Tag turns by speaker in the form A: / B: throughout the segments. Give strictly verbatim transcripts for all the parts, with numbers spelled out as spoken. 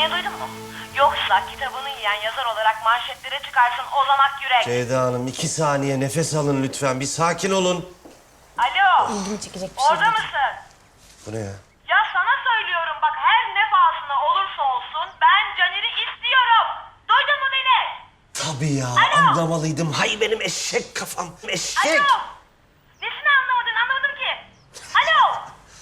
A: Dediğini duydun mu? Yoksa kitabını yiyen yazar olarak manşetlere çıkarsın Ozan Akyürek.
B: Ceyda Hanım iki saniye nefes alın lütfen. Bir sakin olun.
A: Alo.
C: İlgimi çekecek bir şey
A: Orada
C: değil.
A: mısın?
B: Bu ne ya?
A: Ya sana söylüyorum bak, her ne pahasına olursa olsun ben Caner'i istiyorum. Duydun mu beni?
B: Tabii ya,
A: Alo.
B: anlamalıydım. Hay benim eşek kafam, eşek.
A: Alo. Nesini anlamadın, anlamadım ki. Alo.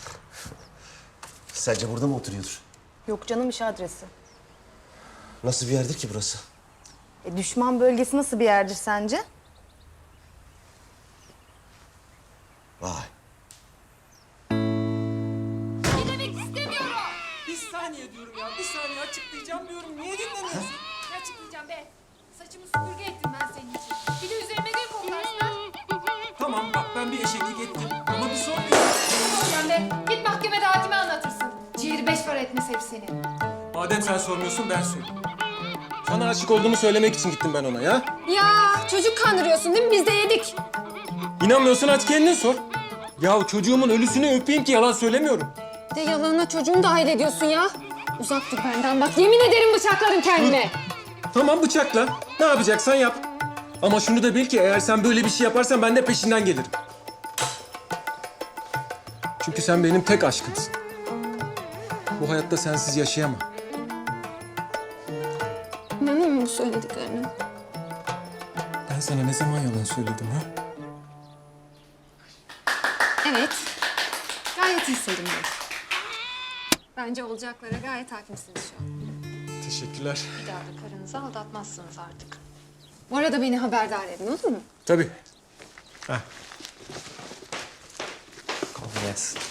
B: Sence burada mı oturuyordur?
C: Yok canım, iş adresi.
B: Nasıl bir yerdir ki burası?
C: E, düşman bölgesi nasıl bir yerdir sence?
B: Vay.
D: Dinlemek istemiyorum.
E: Bir saniye diyorum ya, bir saniye açıklayacağım diyorum. Niye dinlemiyorsun?
D: Ne açıklayacağım be? Saçımı süpürge ettim ben senin için. Bir de üzerime gül koklarsın.
E: Tamam bak ben bir eşeklik ettim ama bir sorun yok.
D: Sen be git mahkemede hakime anlatırsın. Ciğeri beş para etmez hep senin.
E: Madem sen sormuyorsun ben söyleyeyim. Sana aşık olduğumu söylemek için gittim ben ona ya.
D: Ya çocuk kandırıyorsun değil mi? Biz de yedik.
E: İnanmıyorsan aç kendin sor. Ya çocuğumun ölüsünü öpeyim ki yalan söylemiyorum.
D: Bir de yalanına çocuğunu dahil ediyorsun ya. Uzak dur benden bak. Yemin ederim bıçaklarım kendime.
E: Tamam bıçakla. Ne yapacaksan yap. Ama şunu da bil ki eğer sen böyle bir şey yaparsan ben de peşinden gelirim. Çünkü sen benim tek aşkımsın. Bu hayatta sensiz yaşayamam.
D: İnanıyor musun bu söylediklerine?
E: Ben sana ne zaman yalan söyledim ha?
D: Evet. Gayet iyi Selim Bey. Bence olacaklara gayet hakimsiniz şu an.
E: Teşekkürler.
D: Bir daha da karınızı aldatmazsınız artık. Bu arada beni haberdar edin, olur mu?
E: Tabii.
F: Kolay gelsin.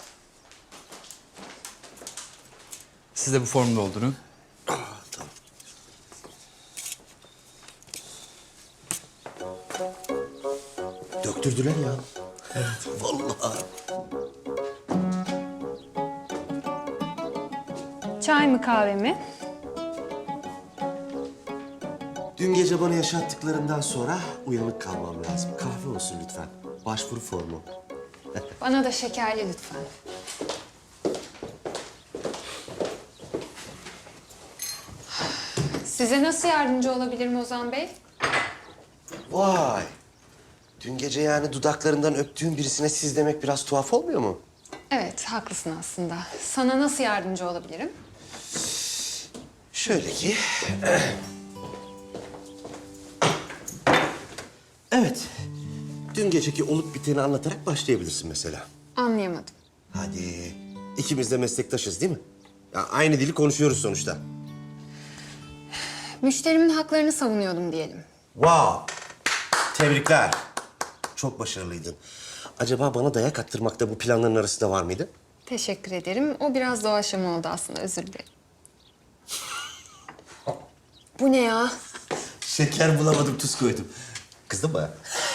F: Siz de bu formu doldurun.
B: Döktürdüler ya. Evet. Vallahi.
D: Çay mı kahve mi?
B: Dün gece bana yaşattıklarından sonra uyanık kalmam lazım. Kahve olsun lütfen. Başvuru formu.
D: Bana da şekerli lütfen. Size nasıl yardımcı olabilirim Ozan Bey?
B: Vay. Dün gece yani dudaklarından öptüğün birisine siz demek biraz tuhaf olmuyor mu?
D: Evet, haklısın aslında. Sana nasıl yardımcı olabilirim?
B: Şöyle ki... Evet. Dün geceki olup biteni anlatarak başlayabilirsin mesela.
D: Anlayamadım.
B: Hadi. İkimiz de meslektaşız değil mi? Ya aynı dili konuşuyoruz sonuçta.
D: Müşterimin haklarını savunuyordum diyelim.
B: Wow. Tebrikler. Çok başarılıydın. Acaba bana dayak attırmak da bu planların arasında var mıydı?
D: Teşekkür ederim. O biraz doğaçlama oldu aslında, özür dilerim. Bu ne ya?
B: Şeker bulamadım, tuz koydum. Kızdın mı?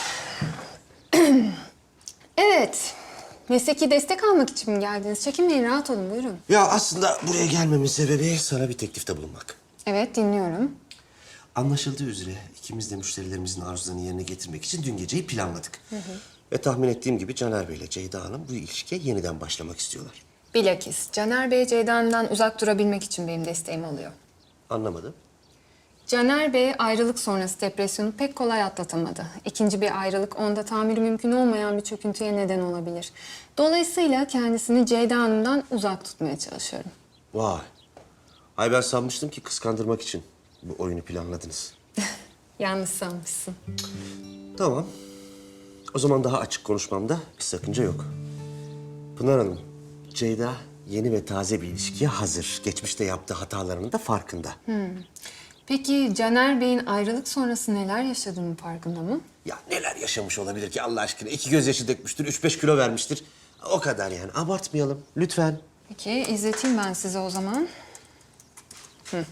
D: Evet. Mesleki destek almak için mi geldiniz? Çekinmeyin, rahat olun, buyurun.
B: Ya aslında buraya gelmemin sebebi sana bir teklifte bulunmak.
D: Evet, dinliyorum.
B: Anlaşıldığı üzere ikimiz de müşterilerimizin arzularını yerine getirmek için dün geceyi planladık. Hı hı. Ve tahmin ettiğim gibi Caner Bey ile Ceyda Hanım bu ilişkiye yeniden başlamak istiyorlar.
D: Bilakis Caner Bey Ceyda'ndan uzak durabilmek için benim desteğim oluyor.
B: Anlamadım.
D: Caner Bey ayrılık sonrası depresyonu pek kolay atlatamadı. İkinci bir ayrılık onda tahammülü mümkün olmayan bir çöküntüye neden olabilir. Dolayısıyla kendisini Ceyda Hanım'dan uzak tutmaya çalışıyorum.
B: Vay. Ay ben sanmıştım ki kıskandırmak için bu oyunu planladınız.
D: Yanlış sanmışsın.
B: Tamam. O zaman daha açık konuşmamda bir sakınca yok. Pınar Hanım, Ceyda yeni ve taze bir ilişkiye hazır. Geçmişte yaptığı hatalarının da farkında.
D: Peki Caner Bey'in ayrılık sonrası neler yaşadığının farkında mı?
B: Ya neler yaşamış olabilir ki Allah aşkına? İki gözyaşı dökmüştür, üç beş kilo vermiştir. O kadar yani. Abartmayalım lütfen.
D: Peki izleteyim ben size o zaman. Hı.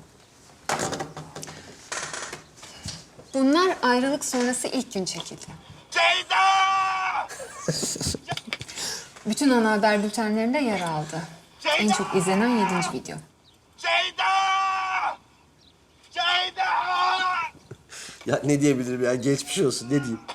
D: Bunlar ayrılık sonrası ilk gün çekildi.
B: Ceyda!
D: Bütün ana haber bültenlerinde yer aldı. En çok izlenen yedinci video.
B: Ceyda! Ceyda! Ya ne diyebilirim ya? Geçmiş olsun. Ne diyeyim?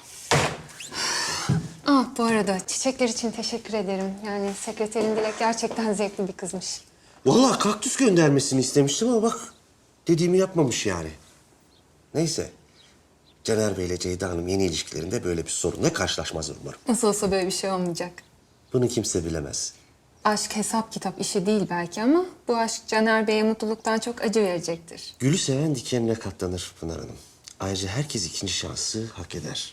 D: Ah bu arada çiçekler için teşekkür ederim. Yani sekreterin Dilek gerçekten zevkli bir kızmış.
B: Vallahi kaktüs göndermesini istemiştim ama bak dediğimi yapmamış yani. Neyse. Caner Bey ile Ceyda Hanım yeni ilişkilerinde böyle bir sorunla karşılaşmazlar umarım.
D: Nasıl olsa böyle bir şey olmayacak.
B: Bunu kimse bilemez.
D: Aşk hesap kitap işi değil belki ama bu aşk Caner Bey'e mutluluktan çok acı verecektir.
B: Gülü seven dikenine katlanır Pınar Hanım. Ayrıca herkes ikinci şansı hak eder.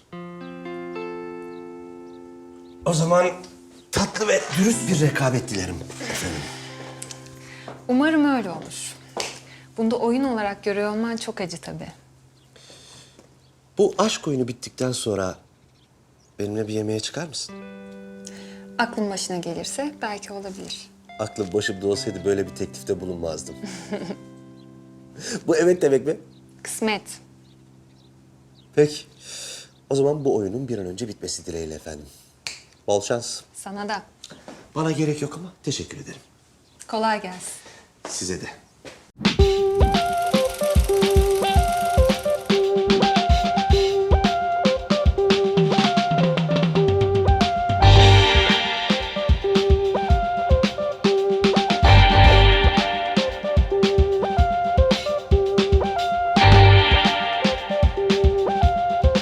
B: O zaman tatlı ve dürüst bir rekabet dilerim efendim.
D: Umarım öyle olur. Bunda oyun olarak görüyor olman çok acı tabii.
B: Bu aşk oyunu bittikten sonra benimle bir yemeğe çıkar mısın?
D: Aklın başına gelirse belki olabilir.
B: Aklım başımda olsaydı böyle bir teklifte bulunmazdım. Bu evet demek mi?
D: Kısmet.
B: Peki. O zaman bu oyunun bir an önce bitmesi dileğiyle efendim. Bol şans.
D: Sana da.
B: Bana gerek yok ama teşekkür ederim.
D: Kolay gelsin.
B: Size de.